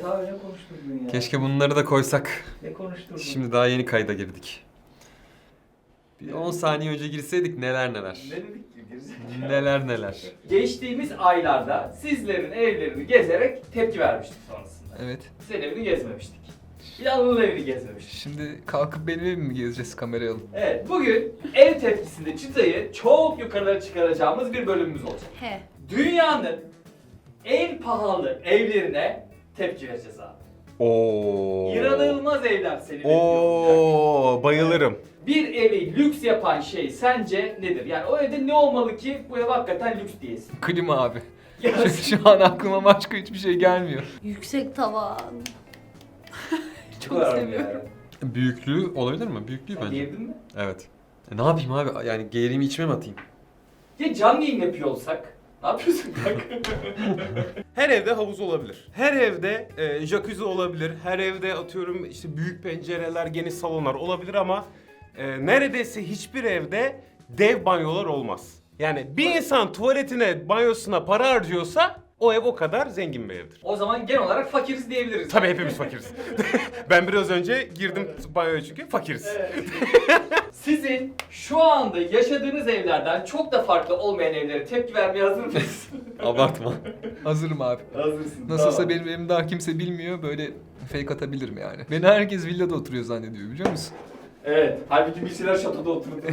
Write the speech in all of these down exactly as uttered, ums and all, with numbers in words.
Evet abi ne konuşturdun ya? Keşke bunları da koysak. Ne konuşturdun? Şimdi daha yeni kayda girdik. Bir on saniye önce girseydik neler neler. Ne dedik ki? Gerizekalı. Neler neler. Geçtiğimiz aylarda sizlerin evlerini gezerek tepki vermiştik sonrasında. Evet. Senin evini gezmemiştik. Bir de Anıl'ın evini gezmemiştik. Şimdi kalkıp benim evimi mi gezeceğiz kamerayı alıp? Evet, bugün ev tepkisinde çıtayı çok yukarılara çıkaracağımız bir bölümümüz olacak. He. Dünyanın en pahalı evlerine tepki vereceğiz abi. Oo. İnanılmaz evler seni bekliyor. Oo, bayılırım. Bir evi lüks yapan şey sence nedir? Yani o evde ne olmalı ki bu ev hakikaten lüks diyesin? Klima abi. Ya, Çünkü şu an aklıma başka hiçbir şey gelmiyor. Yüksek tavan. çok seviyorum. Yani. Büyüklüğü olabilir mi? Büyüklüğü Sen bence. girdin mi? Evet. E, ne yapayım abi? Yani geğirimi içime mi atayım? Ya canlı yayın yapıyor olsak? Ne yapıyorsun kanka? Her evde havuz olabilir. Her evde e, jacuzzi olabilir. Her evde atıyorum işte büyük pencereler, geniş salonlar olabilir ama e, neredeyse hiçbir evde dev banyolar olmaz. Yani bir insan tuvaletine, banyosuna para harcıyorsa o ev o kadar zengin bir evdir. O zaman genel olarak fakiriz diyebiliriz. Tabii hepimiz fakiriz. Ben biraz önce girdim banyoya çünkü fakiriz. Evet. Sizin şu anda yaşadığınız evlerden çok da farklı olmayan evlere tepki vermeye hazır mısınız? Abartma. Hazırım abi. Hazırsın. Nasılsa tamam. benim evimi daha kimse bilmiyor. Böyle fake atabilirim yani. Beni herkes villada oturuyor zannediyor biliyor musun? Evet. Halbuki bir şeyler şatoda oturdu.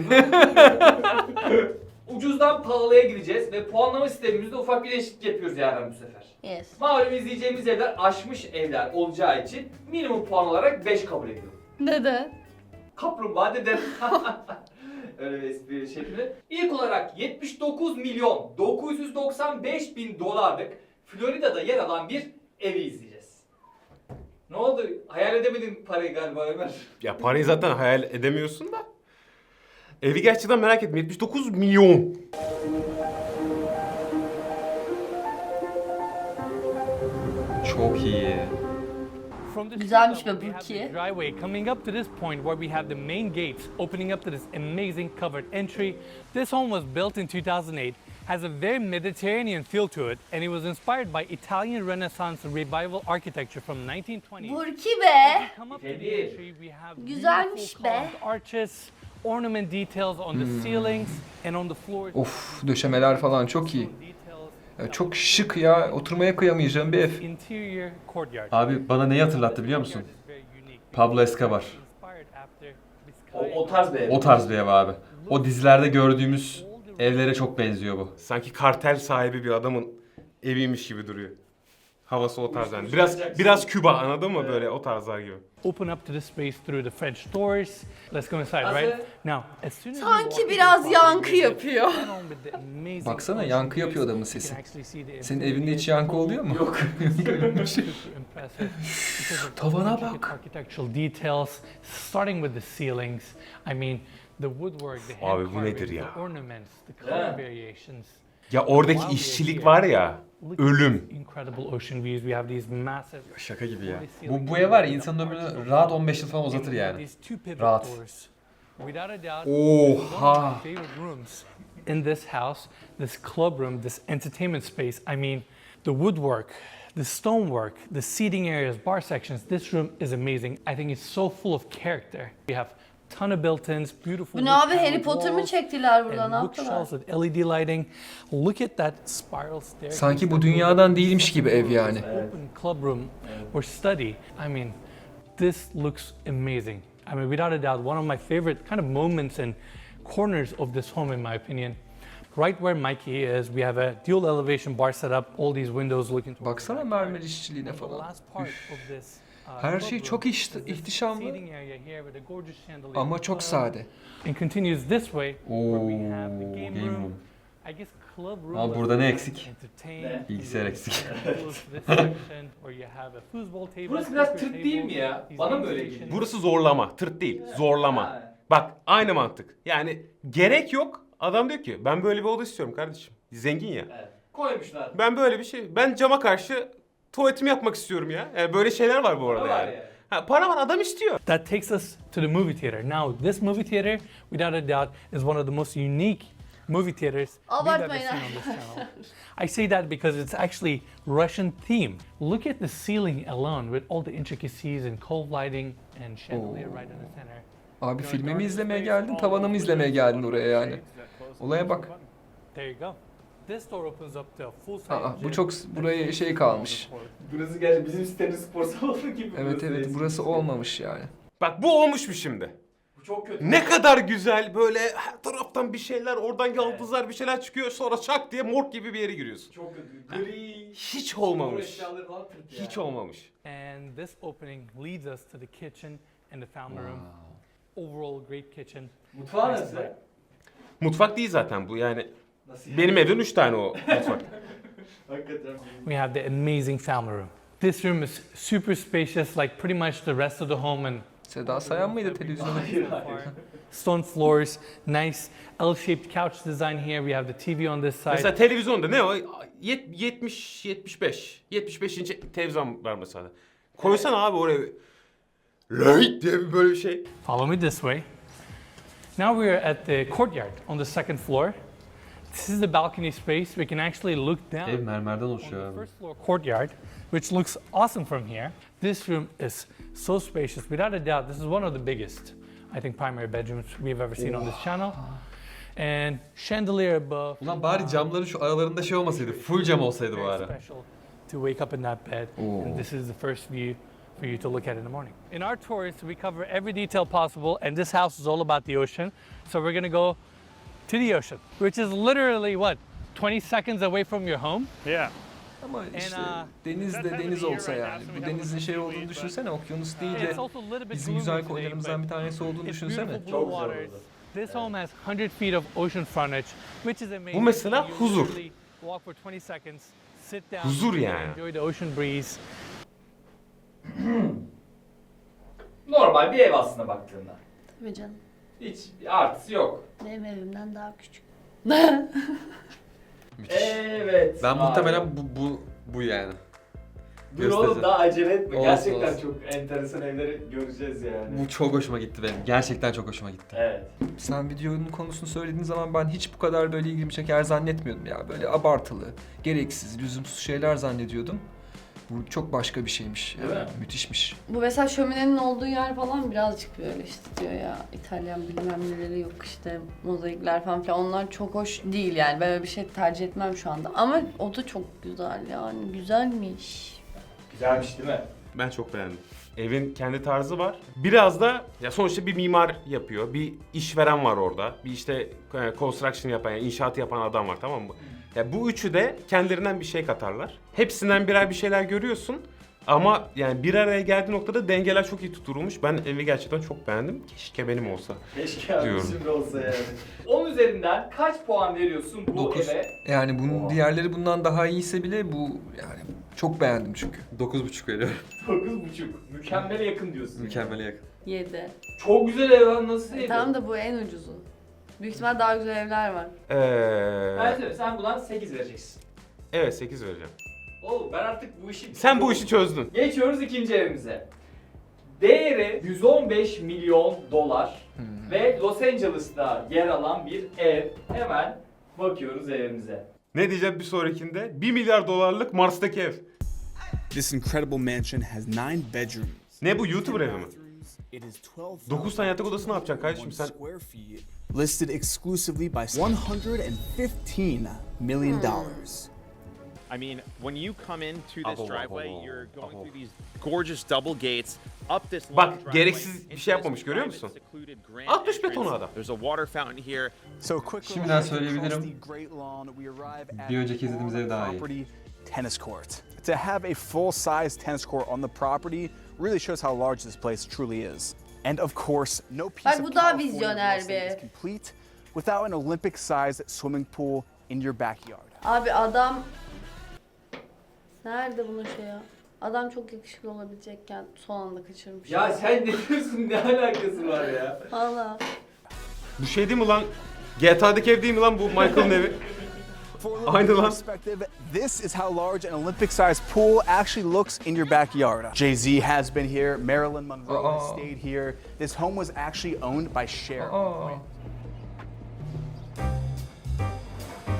Ucuzdan pahalıya gideceğiz ve puanlama sistemimizde ufak bir değişiklik yapıyoruz yarın bu sefer. Yes. Malum izleyeceğimiz evler aşmış evler olacağı için minimum puan olarak beş kabul ediyorum. Neden? Kaplumbağa deden. Öyle bir espri şekli. İlk olarak yetmiş dokuz milyon dokuz yüz doksan beş bin dolarlık Florida'da yer alan bir evi izleyeceğiz. Ne oldu? Hayal edemedin parayı galiba Ömer. Ya parayı zaten hayal edemiyorsun da. Evi gerçekten merak ettim. yetmiş dokuz milyon. Çok iyi. From this Güzelmiş villa, be we have Burki. the driveway coming up to this point where we have the main gates opening up to this amazing covered entry. This home was built in two thousand eight, has a very Mediterranean feel to it, and it was inspired by Italian Renaissance revival architecture from nineteen twenty. Burki be. Come up to the Efendim. entry, we have Güzelmiş beautiful be. carved arches, ornament details on the ceilings and on the floors. Of döşemeler falan çok iyi. Details Ya çok şık ya. Oturmaya kıyamayacağım bir ev. interior courtyard. Abi bana neyi hatırlattı biliyor musun? Courtyard is very unique. Pablo Escobar. Inspired after O, Vizcaya. o tarz bir ev. O tarz bir ev abi. O dizilerde gördüğümüz evlere çok benziyor bu. Sanki kartel sahibi bir adamın eviymiş gibi duruyor. Havası o tarz yani. Biraz biraz Küba anladın mı böyle o tarzlar gibi. Open up to the space through the French doors. Let's go inside, Nasıl? right? Now, as soon as you Sanki walk into biraz the yankı property, yapıyor. you get home with the amazing Baksana, ocean yankı yapıyor views. adamın You sesi. can actually see the Senin infinity evinde hiç of yankı pool. oluyor mu? Yok. Super impressive because of Tavana intricate bak. architectural details, starting with the ceilings. I mean, the woodwork, the Abi hand bu nedir carvings, ya? the ornaments, the Yeah. color variations. Ya oradaki işçilik var ya, Look at ölüm. these incredible ocean views. We have these massive Şaka gibi ya. Bu, bu ev var ya insanın ömrünü rahat on beş yıl falan uzatır yani. Rahat. Oha. In this house, this club room, this entertainment space, I mean, the woodwork, the stonework, the seating areas, bar sections, this room is amazing. I think it's so full of character. We have ton of built-ins, beautiful Bu ne wood abi, Harry paneled Potter mı walls, çektiler burada, ne and yaptılar? bookshelves with L E D lighting. Look at that spiral staircase. Sanki bu dünyadan değilmiş gibi ev yani. Open club room or study. I mean, this looks amazing. I mean, without a doubt, one of my favorite kind of moments and corners of this home, in my opinion. Right where Mikey is, we have a dual elevation bar set up. All these windows looking towards Baksana the backyard. mermer işçiliğine And the falan. last part of this, uh, Her club şey room çok is iht- this ihtişamlı seating area here with a gorgeous chandelier ama çok sade. and continues this way where we Oo, have the game game room. room. I guess club room. Ama was burada ne designed eksik? to entertain. Ne? Bilgisayar eksik. This section where you have a football table, Burası biraz poker tırt değil mi table, ya? these Bana mı game öyle stations. geliyor? Burası zorlama, tırt değil, zorlama. Ha. Bak aynı mantık. Yani gerek yok. Adam diyor ki ben böyle bir oda istiyorum kardeşim. Zengin ya. Evet. Koymuşlar. Ben böyle bir şey, ben cama karşı tuvaletimi yapmak istiyorum ya. Yani böyle şeyler var bu arada Para var yani. yani. Ha, para var adam istiyor. That takes us to the movie theater. Now, this movie theater, without a doubt, is one of the most unique movie theaters we've ever Abartmayın seen on this channel. I say that because it's actually Russian theme. Look at the ceiling alone with all the intricacies and cove lighting and chandelier right in the center. Abi filmi mi izlemeye geldin, tavanı mı izlemeye geldin oraya yani? Olaya bak. There you go. This door opens up to a full size Aa, bu gym. çok buraya şey kalmış. Burası gerçi bizim sitenin spor salonu gibi. Evet burası evet eski burası site. olmamış yani. Bak bu olmuş mu şimdi? Bu çok kötü. Ne kadar güzel böyle her taraftan bir şeyler, oradan yaldızlar bir şeyler çıkıyor, sonra çak diye morg gibi bir yere giriyorsun. Çok kötü. Gri. Hiç spor olmamış. eşyaları falan tırt ya. Hiç olmamış. And this opening leads us to the kitchen and the family room. Overall great kitchen. Mutfağı nasıl? Mutfak değil zaten bu yani. Nasıl? Benim evden üç tane o mutfak. Hakikaten. We have the amazing family room. This room is super spacious, like pretty much the rest of the home, and Seda Sayan mıydı televizyonda? Hayır hayır. stone floors, nice L-shaped couch design here. We have the T V on this side. Mesela televizyonda ne o? Yet- yetmiş yetmiş beş. yetmiş beş inç televizyon var mesela. Koysana abi oraya. Löyt diye bir böyle bir şey. Follow me this way. Now we are at the courtyard on the second floor. This is the balcony space. We can actually look down Ev mermerden on oluşuyor the abi. first floor courtyard, which looks awesome from here. This room is so spacious. Without a doubt, this is one of the biggest, I think, primary bedrooms we've ever seen on this channel. And chandelier above. Ulan bari camların şu aralarında şey olmasaydı. Full cam olsaydı bu Very ara. special to wake up in that bed. And this is the first view for you to look at in the morning. In our tours, we cover every detail possible, and this house is all about the ocean. So we're gonna go to the ocean, which is literally what, twenty seconds away from your home. Yeah. Ama işte uh, denizde deniz olsa yani. Bu denizin şey olduğunu düşünsene, okyanus değil de It's also a little bit bizim gloomy güzel today, koylarımızdan bir but tanesi olduğunu it's düşünsene. beautiful blue Çok güzel waters. oldu. This home has one hundred feet of ocean frontage, which is amazing. Bu mesela You huzur. literally walk for twenty seconds, sit down, Huzur and yani. enjoy the ocean breeze. Normal bir ev aslında baktığında. Tabii canım. Hiç bir artısı yok. Benim evimden daha küçük. Müthiş. Evet. Ben abi. muhtemelen bu bu bu yani. Dur oğlum göstereceğim. daha acele etme. Olsun, Gerçekten olsun. çok enteresan evleri göreceğiz yani. Bu çok hoşuma gitti benim. Gerçekten çok hoşuma gitti. Evet. Sen videonun konusunu söylediğin zaman ben hiç bu kadar böyle ilgimi çeker zannetmiyordum ya. Böyle abartılı, gereksiz, lüzumsuz şeyler zannediyordum. Bu çok başka bir şeymiş. Değil Yani, mi? müthişmiş. Bu mesela şöminenin olduğu yer falan birazcık böyle işte diyor ya İtalyan bilmem neleri yok işte mozaikler falan filan onlar çok hoş değil yani ben öyle bir şey tercih etmem şu anda ama o da çok güzel yani güzelmiş. Güzelmiş değil mi? Ben çok beğendim. Evin kendi tarzı var. Biraz da ya sonuçta bir mimar yapıyor. Bir işveren var orada. Bir işte e, construction yapan, yani inşaat yapan adam var, tamam mı? Ya bu üçü de kendilerinden bir şey katarlar. Hepsinden birer bir şeyler görüyorsun. Ama yani bir araya geldiği noktada dengeler çok iyi tutturulmuş. Ben evi gerçekten çok beğendim. Keşke benim olsa. Keşke abi Diyorum. şimdi olsa yani. on üzerinden kaç puan veriyorsun bu Dokuz. eve? Yani bunun Oha. diğerleri bundan daha iyiyse bile bu yani çok beğendim çünkü. dokuz buçuk veriyorum. dokuz buçuk. Mükemmele yakın diyorsun. Mükemmele yakın. Yedi. Çok güzel ev lan nasıl ev? Tamam da bu en ucuzu. Büyük ihtimal daha güzel evler var. Ben Ee, söyleyeyim, sen buna sekiz vereceksin. evet sekiz vereceğim. Oğlum ben artık bu işi... Sen bu işi çözdün. Geçiyoruz ikinci evimize. Değeri yüz on beş milyon dolar Hmm. ve Los Angeles'ta yer alan bir ev. Hemen bakıyoruz evimize. Ne diyeceğim bir sonrakinde? bir milyar dolarlık Mars'taki ev. This incredible mansion has nine bedrooms. Ne bu, YouTuber evi mi? It is twelve Dokuz tane yatak odası ne yapacaksın kardeşim sen? square feet, listed exclusively by one hundred fifteen million dollars. I mean, when you come into this Abo, driveway, abo, you're going abo. through these gorgeous double gates, up this long Bak, driveway, gereksiz bir into şey this yapmamış, görüyor private, musun? secluded grand Atmış betonu entrance. adam. There's a water fountain here. So quick Şimdiden little walk söyleyebilirim. across the Great Lawn, we arrive at Bir önceki the izlediğimiz ev daha iyi. property tennis court. To have a full-size tennis court on the property really shows how large this place truly is. And of course, no piece Bak, of bu daha California vizyoner real estate bir. is complete without an Olympic-sized swimming pool in your backyard. Abi adam... Nerede bunun şey ya? Adam çok yakışıklı olabilecekken son anda kaçırmış. Ya sen ne diyorsun? Ne alakası var ya? Valla. Bu şey değil mi lan? G T A'daki ev değil mi lan bu Michael'ın evi? For a little Aynı bit of lan. perspective, this is how large an Olympic-sized pool actually looks in your backyard. Jay-Z has been here, Marilyn Monroe has Uh-oh. stayed here. This home was actually owned by Cher. Aa.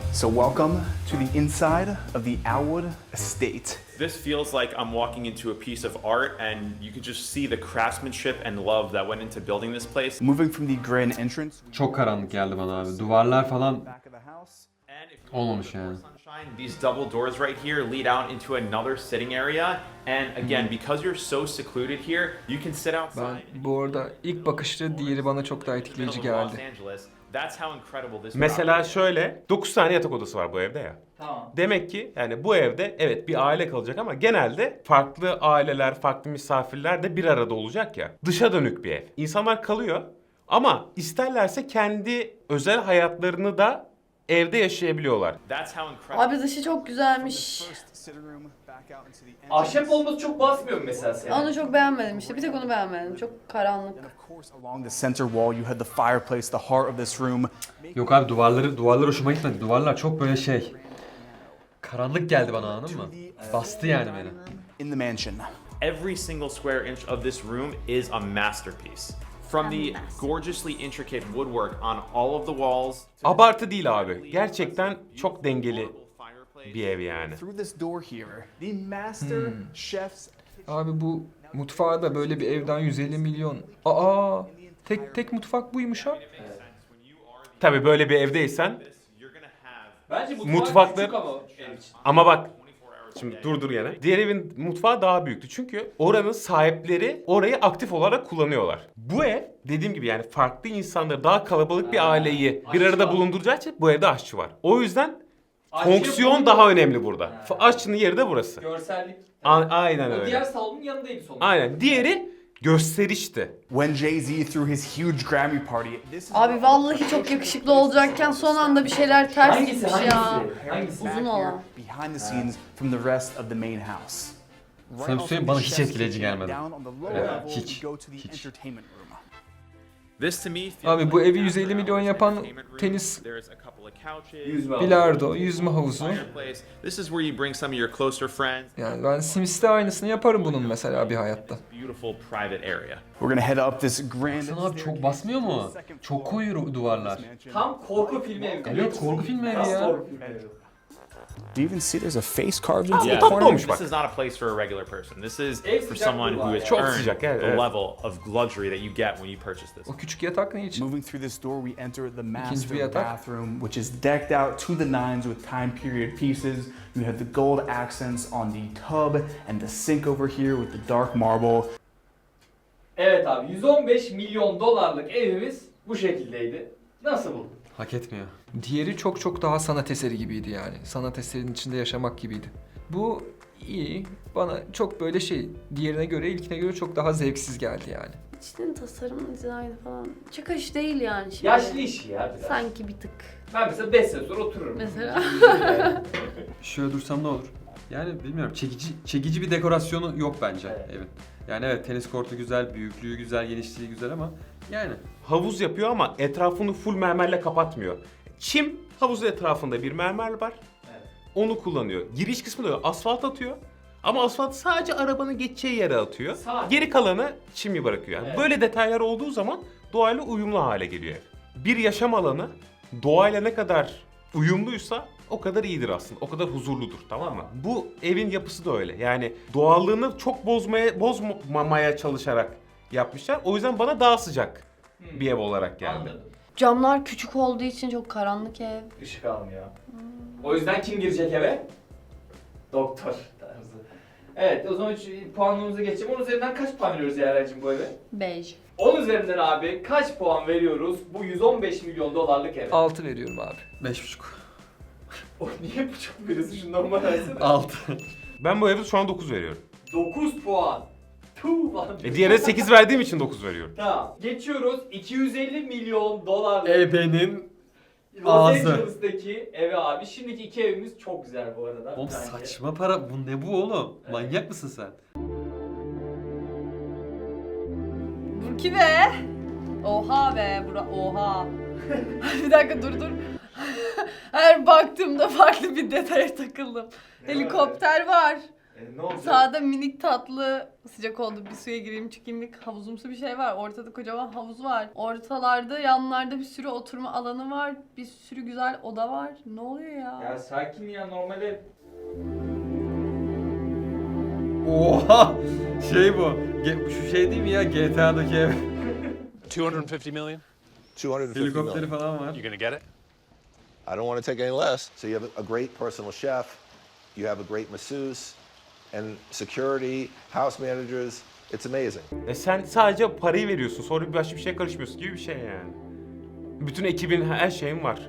So welcome to the inside of the Alwood Estate. This feels like I'm walking into a piece of art, and you can just see the craftsmanship and love that went into building this place. Moving from the grand entrance Çok karanlık geldi bana abi. Duvarlar falan back of the house. And if you olmamış look at yani. the sunshine, these double doors right here lead out into another sitting area. And again, because you're so secluded here, you can sit outside. Ben bu arada ilk bakışta diğeri bana çok daha etkileyici middle of Los geldi. Angeles. That's how incredible this Mesela property is. şöyle dokuz tane yatak odası var bu evde ya. Tamam. Demek ki yani bu evde evet bir aile kalacak ama genelde farklı aileler, farklı misafirler de bir arada olacak ya. Dışa dönük bir ev. İnsanlar kalıyor ama isterlerse kendi özel hayatlarını da evde yaşayabiliyorlar. That's how incredible. Abi dışı çok güzelmiş. First sitting room back out into the entrance. Ahşap olması çok basmıyor mu mesela seni? Onu çok beğenmedim işte. Bir tek onu beğenmedim. Çok karanlık. And of course, along the center wall, you had the fireplace, the heart of this room. Yok abi duvarları duvarlar hoşuma gitmedi. Duvarlar çok böyle şey. Karanlık geldi bana, anladın mı? Bastı yani beni. In the mansion. Every single square inch of this room is a masterpiece. From the gorgeously intricate woodwork on all of the walls. Abartı değil abi. Gerçekten çok dengeli bir ev yani. Through this door here, the master chef's Abi bu mutfağı da böyle bir evden yüz elli milyon. Aa, tek tek mutfak buymuş ha. Tabii böyle bir evdeysen You're gonna have Bence mutfak Mutfaklar- küçük ama ev için. ama bak şimdi dur dur gene. Diğer evin mutfağı daha büyüktü. Çünkü oranın sahipleri orayı aktif olarak kullanıyorlar. Bu ev dediğim gibi yani farklı insanları, daha kalabalık bir Ha, aileyi bir aşçı arada var. bulunduracağı için bu evde aşçı var. O yüzden Aşçı fonksiyon bunu- daha önemli burada. Ha. F- Aşçının yeri de burası. Görsellik. A- aynen O öyle. diğer salonun yanındaydı sonuçta. Aynen. Diğeri gösterişti. When Jay-Z threw his huge Grammy party. This is Abi vallahi çok yakışıklı olacakken son anda bir şeyler ters Hangisi gitmiş hangisi? ya. Hangisi? Uzun back here olan. behind the scenes from the rest of the main house. Sana bir söyleyeyim, bana hiç etkileyici gelmedi. Down on the lower Evet, level, hiç, you go to the hiç. entertainment room. This to me feels Abi bu like evi yüz elli milyon yapan entertainment room. tenis, There's a couple of couches, Yüzme bilardo, yüzme havuzu. fireplace. This is where you bring some of your closer friends. Yani ben Sims'te aynısını yaparım bunun mesela bir hayatta. Beautiful private area. We're gonna head up this grand Baksana abi çok basmıyor mu? Çok koyu duvarlar. Tam korku filmi evi. Evet, korku filmi evi Tam ya. korku filmi evi. Do you even see there's a face carved into Yeah, the corner? olmuş bak. this is not a place for a regular person. This is Ev for sıcaklığı someone who var has ya. Çok earned sıcak, evet, the evet. level of luxury that you get when you purchase this. O küçük yatak ne için? Moving through this door, we enter the bir master yatak. bathroom, which is decked out to the nines with time period pieces. You have the gold accents on the tub and the sink over here with the dark marble. Evet abi yüz on beş milyon dolarlık evimiz bu şekildeydi. Nasıl buldun? Hak etmiyor. Diğeri çok çok daha sanat eseri gibiydi yani. Sanat eserinin içinde yaşamak gibiydi. Bu iyi. Bana çok böyle şey, diğerine göre, ilkine göre çok daha zevksiz geldi yani. İçinin tasarım, dizaynı falan. Çıkış değil yani şimdi. Yaşlı işi ya biraz. Sanki bir tık. Ben mesela beş sene sonra otururum. Mesela. Şöyle dursam ne olur? Yani bilmiyorum, çekici çekici bir dekorasyonu yok bence Evet. evin. Yani evet, tenis kortu güzel, büyüklüğü güzel, genişliği güzel ama yani Havuz yapıyor ama etrafını full mermerle kapatmıyor. Çim havuzun etrafında bir mermer var. Evet. Onu kullanıyor. Giriş kısmında da asfalt atıyor. Ama asfalt sadece arabanın geçeceği yere atıyor. Sadece. Geri kalanı çimi bırakıyor. Yani Evet. böyle detaylar olduğu zaman doğayla uyumlu hale geliyor ev. Bir yaşam alanı doğayla ne kadar uyumluysa o kadar iyidir aslında. O kadar huzurludur, tamam mı? Bu evin yapısı da öyle. Yani doğallığını çok bozmaya bozmamaya çalışarak yapmışlar. O yüzden bana daha sıcak Hmm. bir ev olarak geldi. Anladım. Camlar küçük olduğu için çok karanlık ev. Işık almıyor. O yüzden kim girecek eve? Doktor tarzı. Evet o zaman şu puanlamamıza geçelim. Onun üzerinden kaç puan veriyoruz Yaren'cim bu eve? Bej. on üzerinden abi kaç puan veriyoruz bu yüz on beş milyon dolarlık eve? altı veriyorum abi. beş buçuk. O niye bu çok veriyorsun? Şu normal versene. altı. Ben bu eve şu an dokuz veriyorum. dokuz puan. Tuh lan. E diğerine sekiz verdiğim için dokuz veriyorum. Tamam. Geçiyoruz. iki yüz elli milyon dolarlık Ebenin Los ağzı. Angeles'taki eve abi. Şimdiki iki evimiz çok güzel bu arada. Oğlum bence. saçma para. Bu ne bu oğlum? Evet. Manyak mısın sen? Burki be. Oha be. Bura oha. Bir dakika dur dur. Her baktığımda farklı bir detaya takıldım. Ne var Helikopter var. E, ne olacak? Sağda minik tatlı sıcak oldu bir suya gireyim çıkayımlık havuzumsu bir şey var. Ortada kocaman havuz var. Ortalarda yanlarda bir sürü oturma alanı var. Bir sürü güzel oda var. Ne oluyor ya? Ya sakin ya normalde. Oha! Şey bu. Ge- şu şey değil mi ya G T A'daki ev? two hundred fifty million? two hundred fifty Helikopteri million. falan var. You gonna get it? I don't want to take any less. So you have a great personal chef, you have a great masseuse, and security, house managers. It's amazing. E sen sadece parayı veriyorsun, sonra başka bir şeye karışmıyorsun gibi bir şey yani. Bütün ekibin, her şeyin var.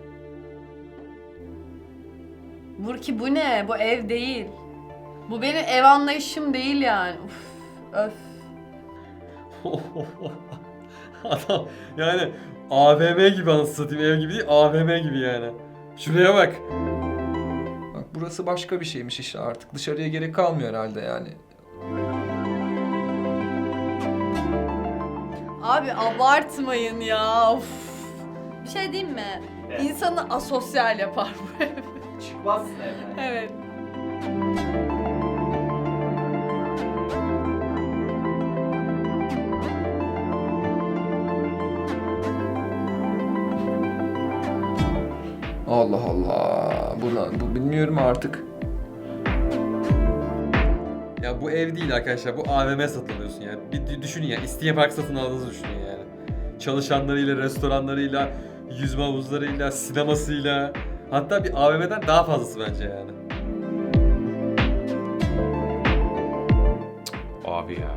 Burki bu ne? Bu ev değil. Bu benim ev anlayışım değil yani. Uf, öf. Adam yani A V M gibi anasını satayım, ev gibi değil A V M gibi yani. Şuraya bak. Bak burası başka bir şeymiş işte artık. Dışarıya gerek kalmıyor herhalde yani. Abi abartmayın ya. Of. Bir şey diyeyim mi? Evet. İnsanı asosyal yapar bu ev. Çıkmazsın evden. Evet. Allah Allah. Bu, bu bilmiyorum artık. Ya bu ev değil arkadaşlar, bu A V M satın alıyorsun yani. Bir dü- düşünün ya, İstinye Park satın aldığınızı düşünün yani. Çalışanlarıyla, restoranlarıyla, yüzme havuzlarıyla, sinemasıyla. Hatta bir A V M'den daha fazlası bence yani. Abi ya.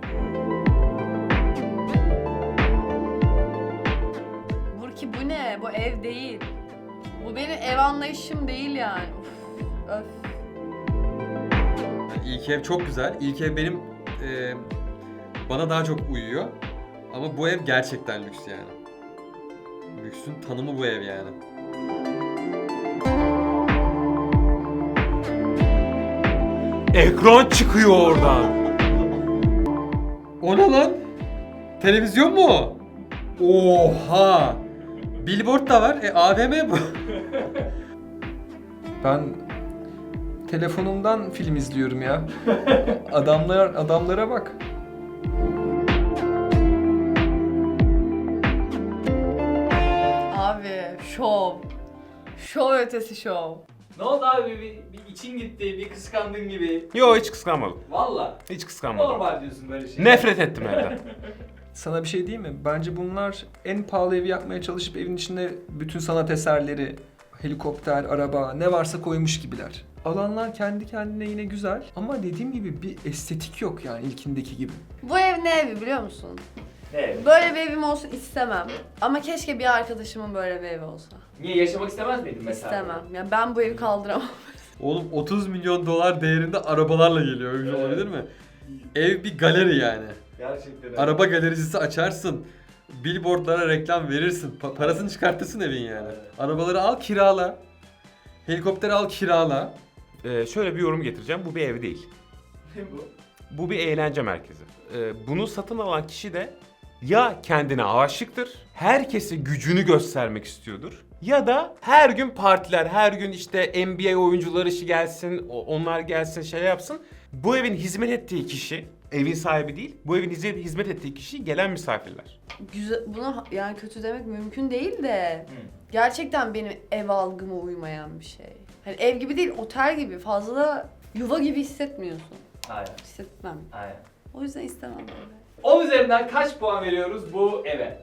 Burki bu ne? Bu ev değil. Bu benim ev anlayışım değil yani. Uf, öf. Yani ilk ev çok güzel. İlk ev benim e, bana daha çok uyuyor. Ama bu ev gerçekten lüks yani. Lüksün tanımı bu ev yani. Ekran çıkıyor oradan. O ne lan? Televizyon mu o? Oha! Billboard da var. E A V M bu. Ben telefonumdan film izliyorum ya. Adamlar adamlara bak. Abi şov. Şov ötesi şov. Ne oldu abi? Bir, bir için gitti, bir kıskandın gibi. Yo hiç kıskanmadım. Valla. Hiç kıskanmadım. Normal diyorsun böyle şey. Nefret ettim evden. Sana bir şey diyeyim mi? Bence bunlar en pahalı evi yapmaya çalışıp evin içine bütün sanat eserleri, helikopter, araba ne varsa koymuş gibiler. Alanlar kendi kendine yine güzel ama dediğim gibi bir estetik yok yani ilkindeki gibi. Bu ev ne evi biliyor musun? Ne? Böyle bir evim olsun istemem. Ama keşke bir arkadaşımın böyle bir evi olsa. Niye yaşamak istemez miydin mesela? İstemem. Ya ben bu evi kaldıramam. Oğlum otuz milyon dolar değerinde arabalarla geliyor. Öyle bir şey olabilir mi? Ev bir galeri yani. Gerçekten öyle. Araba galericisi açarsın. Billboardlara reklam verirsin. Pa- parasını çıkartırsın evin yani. Arabaları al kirala. Helikopteri al kirala. Ee, şöyle bir yorum getireceğim. Bu bir ev değil. Ne bu? Bu bir eğlence merkezi. Ee, bunu satın alan kişi de ya kendine aşıktır, herkese gücünü göstermek istiyordur. Ya da her gün partiler, her gün işte N B A oyuncuları işi gelsin, o- onlar gelsin, şey yapsın. Bu evin hizmet ettiği kişi, evin sahibi değil, bu evin hizmet hizmet ettiği kişi gelen misafirler. Güzel, buna yani kötü demek mümkün değil de Hı. gerçekten benim ev algıma uymayan bir şey. Hani ev gibi değil, otel gibi. Fazla da yuva gibi hissetmiyorsun. Aynen. Hissetmem. Aynen. O yüzden istemem böyle. on üzerinden kaç puan veriyoruz bu eve?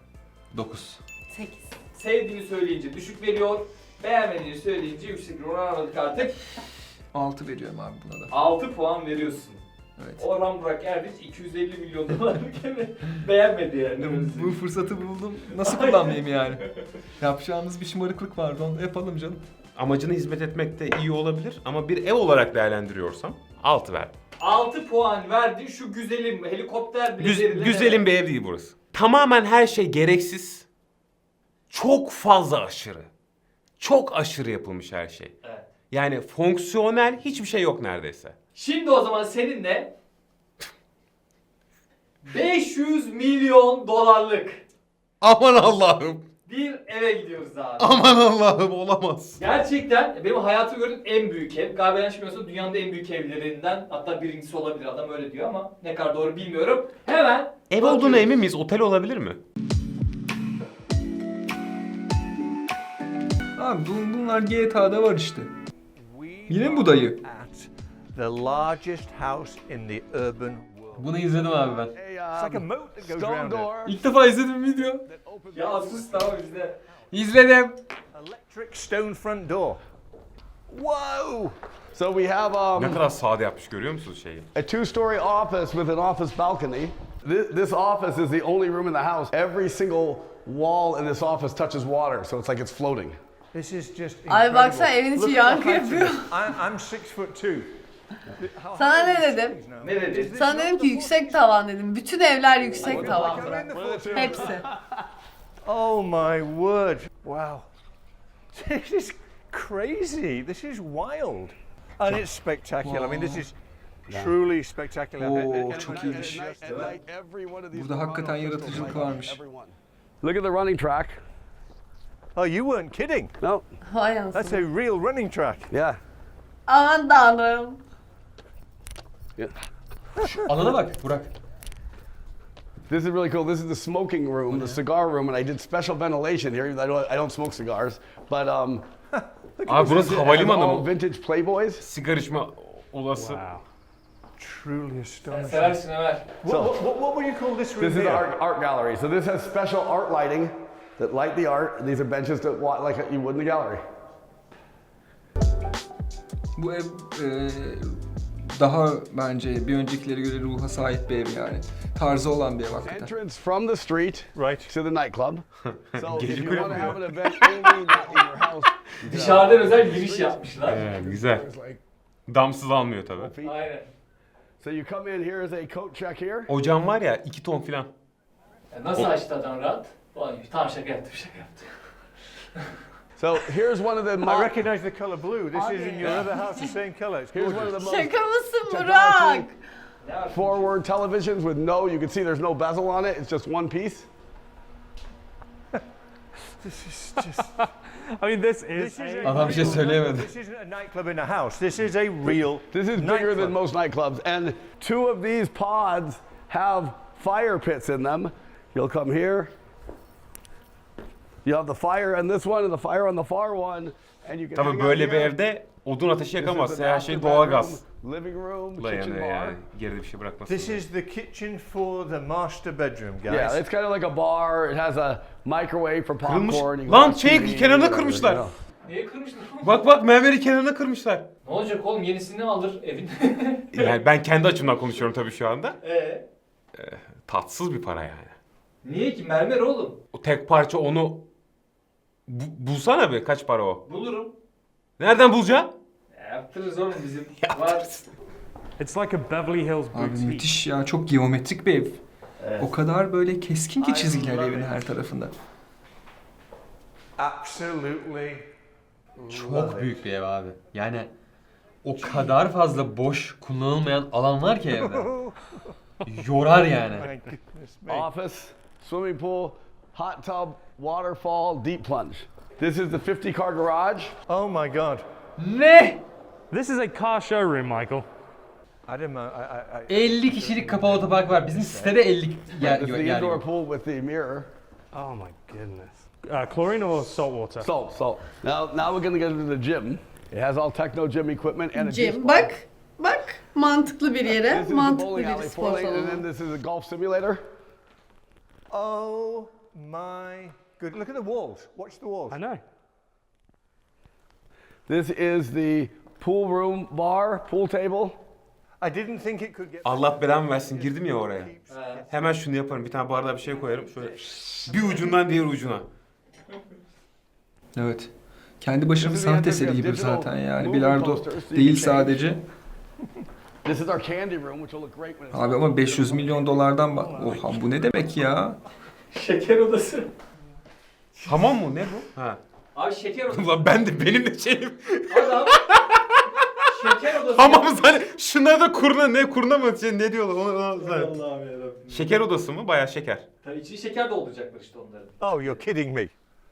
dokuz. sekiz. Sevdiğini söyleyince düşük veriyor. Beğenmediğini söyleyince yüksek veriyor. Onu anladık artık. altı veriyorum abi buna da. altı puan veriyorsun. Evet. Orhan Burak Erdinç iki yüz elli milyon dolarlık evi beğenmedi yani. Bu fırsatı buldum. Nasıl kullanmayayım yani? Yapacağımız bir şımarıklık vardı onu da yapalım canım. Amacına hizmet etmek de iyi olabilir ama bir ev olarak değerlendiriyorsam altı verdim. altı puan verdi şu güzelim helikopter Güz- biletlerine. güzelim bir ev değil burası. Tamamen her şey gereksiz. Çok fazla aşırı. Çok aşırı yapılmış her şey. Evet. Yani fonksiyonel hiçbir şey yok neredeyse. Şimdi o zaman seninle beş yüz milyon dolarlık Aman Allah'ım. bir eve gidiyoruz abi. Aman Allah'ım olamaz. Gerçekten benim hayatımda gördüğüm en büyük ev. Galiba yanlış bilmiyorsam dünyanın en büyük evlerinden, hatta birincisi olabilir, adam öyle diyor ama ne kadar doğru bilmiyorum. Hemen Ev bakıyoruz. olduğuna emin miyiz? Otel olabilir mi? Abi bu- bunlar G T A'da var işte. Yine mi bu dayı? The largest house in the urban world. Bunu izledim abi ben. It's like a moat that goes around it. İlk defa izledim video. Ya sus tamam bizde. İzledim. Electric stone front door. Whoa! So we have um, Ne kadar sade yapmış görüyor musunuz şeyi? a two-story office with an office balcony. This, this office is the only room in the house. Every single wall in this office touches water, so it's like it's floating. This is just Ay incredible. baksana evin içi Look at yankı the height of yapıyor. this. I'm, I'm six foot two. How Sana high ne are these dedim? things now? Ne dedi? Sana dedim ki yüksek tavan dedim. Bütün evler yüksek tavan I'm bırak. in the floor. Hepsi. Oh my word! Wow, this is crazy. This is wild, and it's spectacular. I mean, this is truly spectacular. Oo, çok iyiymiş. At night, every one of these Burada hakikaten Toronto yaratıcılık crystals, varmış. every one. Look at the running track. Oh, you weren't kidding. No, Vay That's a anasını. real running track. yeah. Aman tanrım. Alana bak Burak. This is really cool. This is the smoking room, the cigar room, and I did special ventilation here. I don't, I don't smoke cigars, but um, Abi burası I have havalimanı all mı? vintage Playboys. Sigara içme olası. Truly Sen astonishing. seversin Ömer. What, what, what, what would you call this room This is here? the art, art gallery. So this has special art lighting that light the art. These are benches that wa- like you would in the gallery. Bu ev e, daha bence bir öncekileri göre ruha sahip bir ev yani. Tarzı olan bir ev hakikaten. Entrance from the street Right. to the nightclub. So if Gece you want to kulübü have ya. an event only not in your house, you can Dışarıdan özel giriş yapmışlar. Ee, güzel. There's like Damsız almıyor tabii. feet. Aynen. So you come in here is a coat check here. Ocağım var ya iki ton filan. Ya nasıl açtı adam rahat? Ulan tamam şaka yaptım şaka yaptım. So here's one of the I mo- recognise the colour blue. This is in your other house, the same colour. It's here's one of gorgeous. the most Şaka mısın technology Burak? forward televisions with no, you can see there's no bezel on it. It's just one piece. This is just. I mean, this This is a Adam bir şey real söyleyemedi. nightclub. This isn't a nightclub in a house. This is a real. This is bigger nightclub. than most nightclubs, and two of these pods have fire pits in them. You'll come here. You have the fire on this one and the fire on the far one, and you can. Tabii hang out böyle bir here. evde odun ateşi This is yakamaz. the Her master şey doğalgaz. bedroom, living room, La kitchen yani, bar. yani geride bir şey bırakmasın. This is the kitchen for the master bedroom, guys. Yeah, it's kind of like a bar. It has a microwave for Kırılmış. popcorn. you can Lan watch şey T V, kenarına whatever, kırmışlar. you know. Niye kırmışlar? Bak bak mermeri kenarına kırmışlar. Ne olacak oğlum yenisini alır evin. Yani ben kendi açımdan konuşuyorum tabii şu anda. Eee? Tatsız bir para yani. Niye ki mermer oğlum? O tek parça onu Bu- bulsana bir kaç para o? Bulurum. Nereden bulacaksın? Ya, yaptırırız oğlum bizim. Var. It's like a Beverly Hills Abi boutique. müthiş ya, çok geometrik bir ev. Evet. O kadar böyle keskin ki çizgiler evin her tarafında. Absolutely. Çok büyük bir ev abi. Yani o kadar fazla boş kullanılmayan alan var ki evde. Yorar yani. My goodness me. Office, swimming pool, hot tub, waterfall, deep plunge. This is the fifty car garage. Oh my God. Ne? This is a car showroom, Michael. I didn't know. I, I, I, elli kişilik kapalı otopark var. Bizim sitede elli yer, This is the yer indoor yok. pool with the mirror. Oh my goodness. Uh, chlorine or salt water? Salt, salt. Now, now we're gonna get into the gym. It has all techno gym equipment and a Cem disc bak. Bak. Mantıklı bir yere. This is the Mantıklı bowling bir alley, spor four lane, and then salonu. this is a golf simulator. oh my good. Look at the walls. Watch the walls. I know. This is the pool room bar, pool table. I didn't think it could get. Allah belamı versin girdim ya oraya. Hemen şunu yaparım. Bir tane bardağa bir şey koyarım. Şöyle bir ucundan diğer ucuna. Evet. Kendi başına bir This is the sanat entrance eseri gibi digital zaten yani. movie Bilardo posters, so you değil can change. sadece. This is our candy room, which will look great when it's Abi ama beş yüz milyon dolardan bak. Oha bu ne demek ya? Şeker odası. Hamam mı? Ne bu? Ha. Abi şeker odası. Ulan ben de benim de şeyim. Adam şeker odası. Hamam hani şunlar da kurna ne kurna mı şey, ne diyorlar onu, onu zaten. Allah'ım yarabbim. Şeker odası mı? Bayağı şeker. Tabii içine şeker dolduracaklar işte onların. Oh, you're kidding me.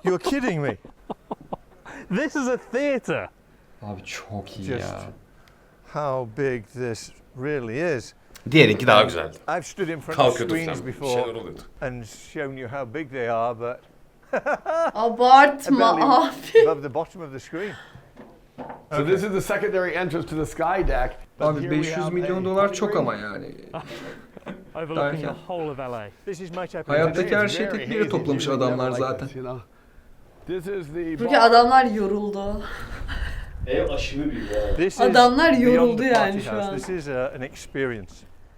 You're kidding me. This is a theatre. Abi çok iyi Just ya. how big this really is. Diğerinki daha güzeldi. I've stood in front of Kalkıyorduk screens sen. Bir before şeyler oluyordu. and shown you how big they are, but Abartma barely abi. above the bottom of the screen. So this is the secondary entrance to the sky deck. But Abi here we beş yüz have milyon a dolar çok green. ama yani. Overlooking the Derken. whole of L A. This is my type of Hayattaki engineer. her şeyi Very tek bir yere hazy. toplamış You would never adamlar like zaten. this, you know? This is the Çünkü bar. adamlar yoruldu. Ev aşırı büyük ya. This is Adamlar beyond yoruldu the yani party şu house. an. This is uh, an experience.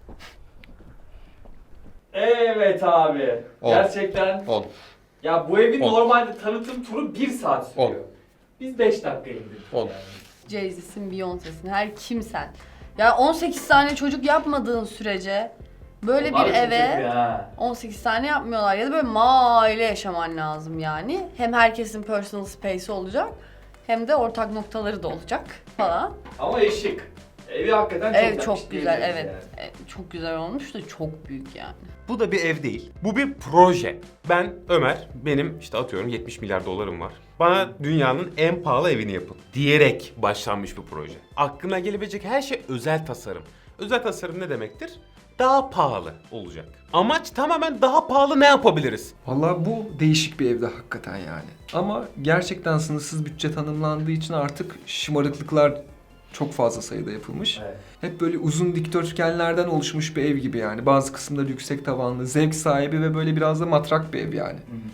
Evet abi. On. Gerçekten. on. Ya bu evin On. normalde tanıtım turu bir saat sürüyor. On. Biz beş dakika indirdik. On. Yani. Jay-Z'sin, Beyoncé'sin, her kimsen. Ya on sekiz tane çocuk yapmadığın sürece böyle Onlar bir da çok eve kötü ha. on sekiz tane yapmıyorlar ya da böyle mahalle yaşaman lazım yani. Hem herkesin personal space'i olacak hem de ortak noktaları da olacak falan. Ama ev şık. Evi hakikaten çok Ev yapmış çok güzel, diyebiliriz evet. yani. E, Çok güzel olmuş da çok büyük yani. Bu da bir ev değil. Bu bir proje. Ben Ömer, benim işte atıyorum yetmiş milyar dolarım var. Bana dünyanın en pahalı evini yapın diyerek başlanmış bir proje. Aklına gelebilecek her şey özel tasarım. Özel tasarım ne demektir? Daha pahalı olacak. Amaç tamamen daha pahalı ne yapabiliriz? Vallahi bu değişik bir evde hakikaten yani. Ama gerçekten sınırsız bütçe tanımlandığı için artık şımarıklıklar çok fazla sayıda yapılmış. Evet. Hep böyle uzun dikdörtgenlerden oluşmuş bir ev gibi yani. Bazı kısımları yüksek tavanlı, zevk sahibi ve böyle biraz da matrak bir ev yani.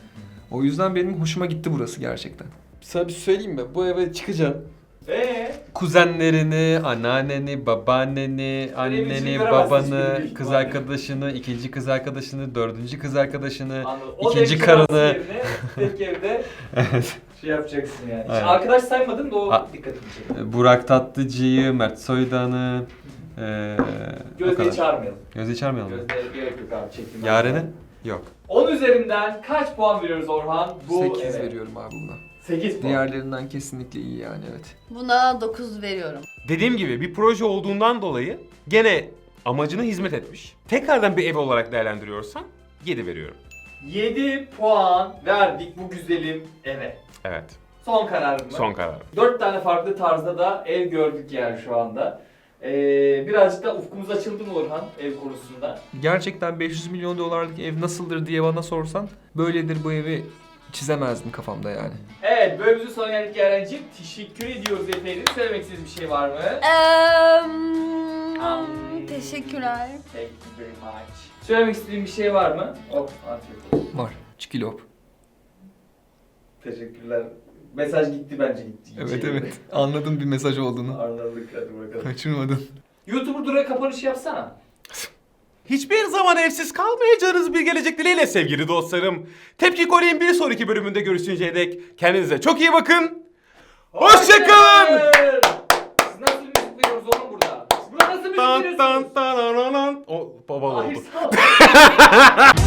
O yüzden benim hoşuma gitti burası gerçekten. Sana bir söyleyeyim mi? Bu eve çıkacaksın. Eee? Kuzenlerini, anneanneni, babaanneni, anneni, veremezsin babanı, hiçbirini büyük kız ihtimalle. arkadaşını, ikinci kız arkadaşını, dördüncü kız arkadaşını, Anladım. O ikinci ev kirası karını. yerine tek evde Evet. şey yapacaksın yani. Aynen. Arkadaş saymadın da o Ha- dikkatimi çekti. Burak Tatlıcı'yı, Mert Soydan'ı, eee o Gözde'yi kadar. çağırmayalım. Gözde'yi çağırmayalım mı? Gözde'ye gerek yok abi çektim. ben. Yaren'i? Yok. on üzerinden kaç puan veriyoruz Orhan bu sekiz eve? veriyorum abi buna. sekiz puan. Diğerlerinden kesinlikle iyi yani, evet. Buna dokuz veriyorum. Dediğim gibi bir proje olduğundan dolayı gene amacına hizmet etmiş. Tekrardan bir ev olarak değerlendiriyorsan yedi veriyorum. yedi puan verdik bu güzelim eve. Evet. Son kararım mı? Son karar. dört tane farklı tarzda da ev gördük yani şu anda. Ee, birazcık da ufkumuz açıldı mı Orhan ev konusunda? Gerçekten beş yüz milyon dolarlık ev nasıldır diye bana sorsan böyledir bu evi çizemezdim kafamda yani. Evet, bölümümüzün sonuna geldik Yaren'ciğim. Teşekkür ediyoruz efendim. Söylemek istediğiniz bir şey var mı? Eee, teşekkürler. Thank you very much. Söylemek istediğin bir şey var mı? Oh, afiyet olsun. Var. Çikilop. Teşekkürler. Mesaj gitti bence gitti. Evet İçeri. evet. Anladım bir mesaj olduğunu. Anladık hadi bakalım. Kaçırmadın. YouTuber Dura kapanış yapsana. Hiçbir zaman evsiz kalmayacağınız bir gelecek dileğiyle sevgili dostlarım. Tepki Kore'nin bir sonraki bölümünde görüşünceye dek kendinize çok iyi bakın. Hoşçakalın. Siz nasıl müzik veriyoruz oğlum burada? Burada nasıl müzik Tan veriyorsunuz? tan tan tan tan. O baba Hayır oldu. sağ ol.